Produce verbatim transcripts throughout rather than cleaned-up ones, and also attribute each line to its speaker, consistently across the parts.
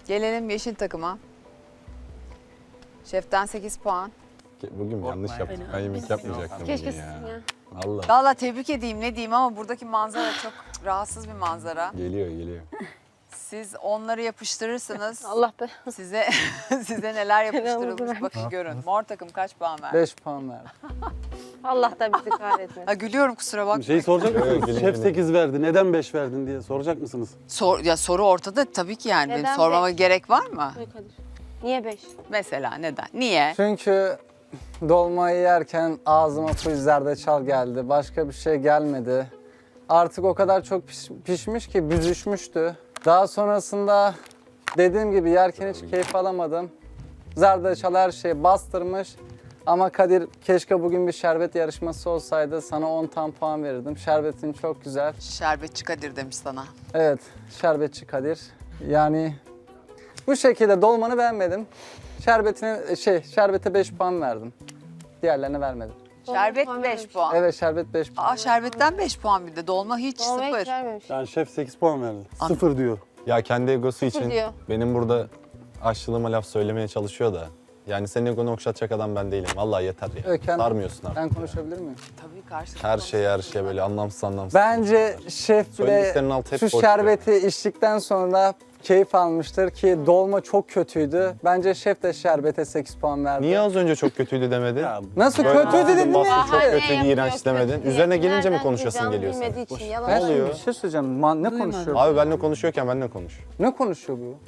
Speaker 1: Gelelim yeşil takıma. Şeften sekiz puan.
Speaker 2: Bugün yanlış yaptık. Ben yemek yapmayacaktım
Speaker 3: Keşke
Speaker 2: bugün ya.
Speaker 3: sizin ya.
Speaker 2: Allah.
Speaker 1: Valla tebrik edeyim ne diyeyim ama buradaki manzara çok rahatsız bir manzara.
Speaker 2: Geliyor geliyor.
Speaker 1: Siz onları yapıştırırsınız.
Speaker 3: Allah be.
Speaker 1: Size size neler yapıştırılmış
Speaker 3: Belamızı
Speaker 1: bakın görün. Mor takım kaç puan verdi?
Speaker 4: beş puan verdi.
Speaker 3: Allah da bizi kahretmesin.
Speaker 1: Ha, gülüyorum kusura bakma.
Speaker 5: Şey soracak
Speaker 2: Evet,
Speaker 5: mısınız?
Speaker 2: gelin,
Speaker 5: Şef
Speaker 2: gelin.
Speaker 5: sekiz verdi. Neden beş verdin diye soracak mısınız?
Speaker 1: Sor, ya soru ortada tabii ki yani. Benim
Speaker 3: Neden
Speaker 1: sormama
Speaker 3: beş?
Speaker 1: gerek var mı?
Speaker 3: Ay Kadir. Niye beş?
Speaker 1: Mesela neden? Niye?
Speaker 4: Çünkü dolmayı yerken ağzıma full zerdeçal geldi. Başka bir şey gelmedi. Artık o kadar çok piş- pişmiş ki büzüşmüştü. Daha sonrasında dediğim gibi yerken hiç keyif alamadım. Zerdeçal her şeyi bastırmış. Ama Kadir keşke bugün bir şerbet yarışması olsaydı sana on tam puan verirdim. Şerbetin çok güzel.
Speaker 1: Şerbetçi Kadir demiş sana.
Speaker 4: Evet, şerbetçi Kadir. Yani bu şekilde dolmanı beğenmedim. Şerbetine şey, şerbete beş puan verdim. Diğerlerine vermedim.
Speaker 1: Şerbet
Speaker 3: puan
Speaker 1: beş
Speaker 3: vermiş.
Speaker 1: puan.
Speaker 4: Evet, şerbet beş puan.
Speaker 1: Aa şerbetten beş puan bir de. Dolma hiç
Speaker 3: Dolmayı hiç
Speaker 1: sıfır.
Speaker 3: vermemiş.
Speaker 5: Yani şef sekiz puan verdi.
Speaker 1: An-
Speaker 5: Sıfır diyor.
Speaker 2: Ya kendi egosu için
Speaker 3: diyor.
Speaker 2: benim burada aşçılığıma laf söylemeye çalışıyor da. Yani senin egonu okşatacak adam ben değilim. Vallahi yeter ya.
Speaker 4: Öken,
Speaker 2: Sarmıyorsun artık.
Speaker 4: ben konuşabilir miyim?
Speaker 1: Tabii karşı.
Speaker 2: Her şey her şey böyle anlamsız anlamsız.
Speaker 4: Bence şef bile
Speaker 2: Söylediklerinin altı hep
Speaker 4: şu
Speaker 2: boş
Speaker 4: şerbeti içtikten sonra keyif almıştır ki dolma çok kötüydü. Bence şef de şerbete sekiz puan verdi.
Speaker 2: Niye az önce çok kötüydü demedin?
Speaker 5: Ya,
Speaker 4: Nasıl
Speaker 3: Ya.
Speaker 4: kötüydü dedin
Speaker 2: Bastın,
Speaker 4: ya?
Speaker 2: çok
Speaker 3: Hayır,
Speaker 2: kötü,
Speaker 3: yapıyor,
Speaker 2: iğrenç
Speaker 3: kötü
Speaker 2: demedin.
Speaker 3: diye.
Speaker 2: Üzerine gelince mi
Speaker 3: Nereden
Speaker 2: konuşasın
Speaker 3: duyacağımı
Speaker 2: geliyor sana?
Speaker 3: bilmediği için yalan
Speaker 4: Ben
Speaker 2: oluyor?
Speaker 4: şimdi bir şey söyleyeceğim. Ma- ne
Speaker 1: Duymadım.
Speaker 4: konuşuyor?
Speaker 2: Abi benimle konuşuyorken benimle konuş.
Speaker 4: Ne konuşuyor bu?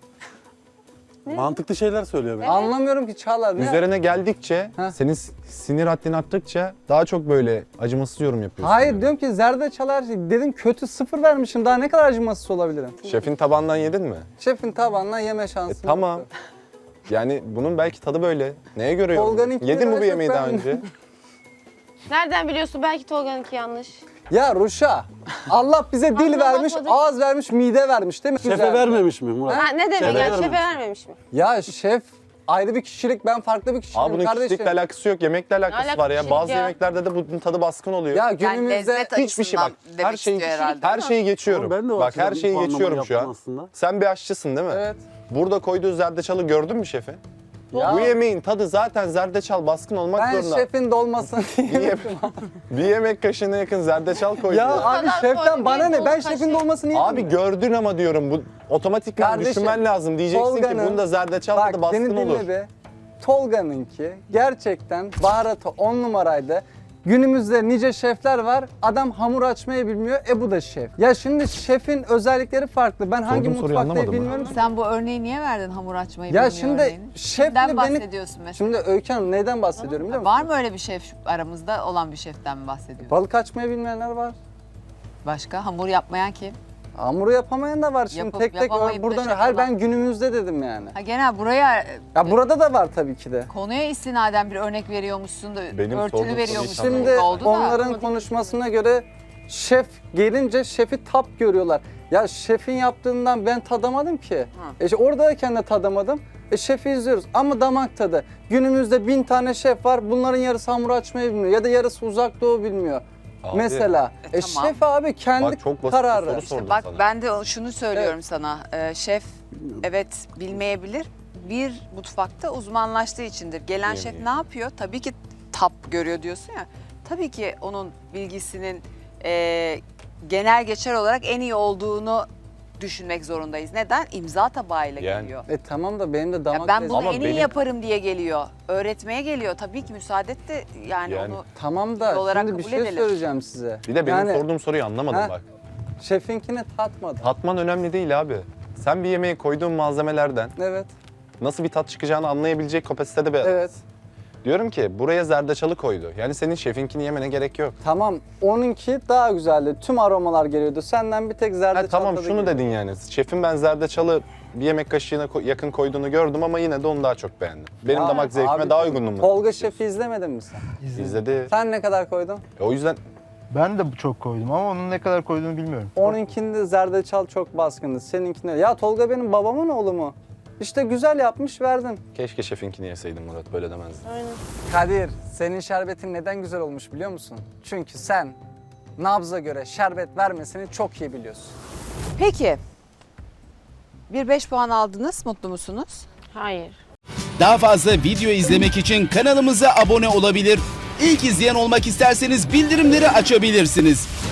Speaker 5: mantıklı şeyler söylüyor. bence.
Speaker 4: Anlamıyorum ki Çağlar. Ne?
Speaker 2: Üzerine geldikçe,
Speaker 4: Heh.
Speaker 2: senin s- sinir haddin arttıkça daha çok böyle acımasız yorum yapıyorsun.
Speaker 4: Hayır
Speaker 2: yani.
Speaker 4: diyorum ki zerdeçal her şey. Dedim kötü sıfır vermişim. Daha ne kadar acımasız olabilirim?
Speaker 2: Şefin tabağından yedin mi?
Speaker 4: Şefin tabağından yeme
Speaker 2: E,
Speaker 4: şansım
Speaker 2: tamam.
Speaker 4: yoktu.
Speaker 2: Yani bunun belki tadı böyle. Neye göre
Speaker 4: Tolga'nınki
Speaker 2: yorumluyorsun? Yedin mi bu
Speaker 4: biraz
Speaker 2: yemeği
Speaker 4: çok
Speaker 2: daha
Speaker 4: ben-
Speaker 2: önce?
Speaker 3: Nereden biliyorsun? Belki Tolga'nınki yanlış.
Speaker 4: Ya Ruşa, Allah bize dil
Speaker 3: Ağzına
Speaker 4: vermiş,
Speaker 3: bakmadık.
Speaker 4: ağız vermiş, mide vermiş değil mi?
Speaker 5: Şefe
Speaker 4: Güzel.
Speaker 5: vermemiş mi Murat?
Speaker 3: Ha, ne demek
Speaker 5: Şefe
Speaker 3: yani?
Speaker 5: vermemiş.
Speaker 3: Şefe vermemiş mi?
Speaker 4: Ya şef ayrı bir kişilik, ben farklı bir kişiyim
Speaker 2: Abi bunun
Speaker 4: kardeşim.
Speaker 2: kişilikle alakası yok, yemekle alakası
Speaker 3: alakası
Speaker 2: var ya.
Speaker 3: kişilik
Speaker 2: Bazı
Speaker 3: ya?
Speaker 2: yemeklerde de bunun tadı baskın oluyor.
Speaker 4: Ya
Speaker 1: Yani
Speaker 4: günümüzde
Speaker 1: lezzet
Speaker 2: Hiçbir şey bak.
Speaker 1: açısından demek
Speaker 2: Her şeyi
Speaker 1: istiyor herhalde.
Speaker 2: her şeyi geçiyorum.
Speaker 5: Ama ben de o
Speaker 2: Bak her
Speaker 5: açıdan
Speaker 2: şeyi
Speaker 5: puanlama
Speaker 2: geçiyorum şu
Speaker 5: yaptım
Speaker 2: an.
Speaker 5: aslında.
Speaker 2: Sen bir aşçısın değil mi?
Speaker 4: Evet.
Speaker 2: Burada koyduğu zerdeçalı gördün mü şefi?
Speaker 4: Ya
Speaker 2: Bu yemeğin tadı zaten zerdeçal baskın olmak
Speaker 4: ben
Speaker 2: zorunda.
Speaker 4: şefin dolmasını
Speaker 2: Bir, yem- bir yemek kaşığına yakın zerdeçal koydu.
Speaker 4: Ya abi
Speaker 3: kadar
Speaker 4: şeften
Speaker 3: koy,
Speaker 4: bana
Speaker 3: bir
Speaker 4: ne? Ben
Speaker 3: dolu
Speaker 4: şefin
Speaker 3: kaşık.
Speaker 4: dolmasını yedim.
Speaker 2: Abi gördün ama diyorum bu otomatikman
Speaker 4: Kardeşim,
Speaker 2: düşünmen lazım. Diyeceksin ki
Speaker 4: Tolga'nın-
Speaker 2: bunda zerdeçal
Speaker 4: Bak
Speaker 2: tadı baskın
Speaker 4: beni
Speaker 2: olur.
Speaker 4: dinle be. Tolga'nınki gerçekten baharatı on numaraydı. Günümüzde nice şefler var. Adam hamur açmayı bilmiyor. E bu da şef. Ya şimdi şefin özellikleri farklı. Ben hangi
Speaker 2: Sorduğum soruyu
Speaker 4: mutfaktayım
Speaker 2: anlamadım ben.
Speaker 4: bilmiyorum.
Speaker 1: Sen bu örneği niye verdin hamur açmayı
Speaker 4: Ya
Speaker 1: bilmiyor
Speaker 4: şimdi
Speaker 1: örneğini?
Speaker 4: şefle
Speaker 1: Neden
Speaker 4: beni...
Speaker 1: bahsediyorsun mesela?
Speaker 4: Şimdi Öykü Hanım neyden bahsediyorum biliyor musun?
Speaker 1: Var mı öyle bir şef aramızda olan bir şeften mi bahsediyorsun?
Speaker 4: Balık açmayı bilmeyenler var.
Speaker 1: Başka hamur yapmayan kim?
Speaker 4: Hamuru yapamayan da var. Şimdi
Speaker 1: Yapıp
Speaker 4: tek tek
Speaker 1: yapamayıp da
Speaker 4: buradan
Speaker 1: şef
Speaker 4: her
Speaker 1: olan.
Speaker 4: ben günümüzde dedim yani.
Speaker 1: Ha genel buraya
Speaker 4: Ya burada da var tabii ki de.
Speaker 1: konuya istinaden bir örnek veriyormuşsun da
Speaker 2: Benim sorduğum
Speaker 1: örtülü
Speaker 2: soruyu
Speaker 1: veriyormuşsun
Speaker 2: tam-
Speaker 4: Şimdi
Speaker 1: oldu da.
Speaker 4: onların konuşmasına göre şef gelince şefi tap görüyorlar. Ya şefin yaptığından ben tadamadım ki. E işte oradayken de tadamadım. E şefi izliyoruz ama damak tadı. Günümüzde bin tane şef var. Bunların yarısı hamur açmayı bilmiyor ya da yarısı uzak doğu bilmiyor.
Speaker 2: Abi,
Speaker 4: Mesela.
Speaker 1: E,
Speaker 4: E,
Speaker 1: tamam.
Speaker 4: şef abi kendi
Speaker 2: Bak çok basit bir
Speaker 4: kararı.
Speaker 2: soru
Speaker 1: İşte
Speaker 2: sordum
Speaker 1: bak
Speaker 2: sana.
Speaker 1: ben de şunu söylüyorum sana. Ee, şef evet bilmeyebilir. Bir mutfakta uzmanlaştığı içindir. Gelen şef
Speaker 2: Bilmiyor.
Speaker 1: ne yapıyor? Tabii ki tap görüyor diyorsun ya. Tabii ki onun bilgisinin e, genel geçer olarak en iyi olduğunu düşünmek zorundayız. Neden? İmza tabağıyla
Speaker 2: Yani.
Speaker 1: geliyor.
Speaker 4: E tamam da benim de
Speaker 1: Ya
Speaker 4: damak
Speaker 1: ben
Speaker 4: lezzeti-
Speaker 1: bunu
Speaker 2: Ama
Speaker 1: en iyi
Speaker 2: benim-
Speaker 1: yaparım diye geliyor. Öğretmeye geliyor. Tabii ki müsaade et de yani,
Speaker 2: Yani.
Speaker 1: onu
Speaker 4: Tamam da
Speaker 1: olarak
Speaker 4: şimdi bir
Speaker 1: kabul
Speaker 4: şey
Speaker 1: edelim.
Speaker 4: söyleyeceğim size.
Speaker 2: Bir de benim
Speaker 4: Yani
Speaker 2: sorduğum soruyu anlamadım
Speaker 4: Ha?
Speaker 2: bak.
Speaker 4: şefinkini tatmadı.
Speaker 2: Tatman önemli değil abi. Sen bir yemeğe koyduğun malzemelerden
Speaker 4: Evet,
Speaker 2: nasıl bir tat çıkacağını anlayabilecek kapasitede bir
Speaker 4: evet.
Speaker 2: Diyorum ki buraya zerdeçalı koydu. Yani senin şefinkini yemene gerek yok.
Speaker 4: Tamam, onunki daha güzeldi. Tüm aromalar geliyordu. Senden bir tek
Speaker 2: Ha,
Speaker 4: zerdeçal
Speaker 2: tamam
Speaker 4: tadı
Speaker 2: şunu
Speaker 4: geliyor.
Speaker 2: dedin yani. Şefin ben zerdeçalı bir yemek kaşığına ko- yakın koyduğunu gördüm ama yine de onu daha çok beğendim. Benim
Speaker 4: Ya
Speaker 2: damak zevkime
Speaker 4: abi,
Speaker 2: daha uygundu mu?
Speaker 4: Tolga Şef'i izlemedin mi sen?
Speaker 2: İzledi.
Speaker 4: Sen ne kadar koydun?
Speaker 2: E, o yüzden
Speaker 6: Ben de çok koydum ama onun ne kadar koyduğunu bilmiyorum.
Speaker 4: Onunkinde zerdeçal çok baskındı. Seninkinde. Ya Tolga benim babamın oğlu mu? İşte güzel yapmış verdim.
Speaker 2: keşke şefinkini yeseydim Murat, böyle demezdin.
Speaker 3: Aynen.
Speaker 4: Kadir, senin şerbetin neden güzel olmuş biliyor musun? Çünkü sen nabza göre şerbet vermesini çok iyi biliyorsun.
Speaker 1: Peki. Bir beş puan aldınız. Mutlu musunuz?
Speaker 3: Hayır.
Speaker 7: Daha fazla video izlemek için kanalımıza abone olabilir. İlk izleyen olmak isterseniz bildirimleri açabilirsiniz.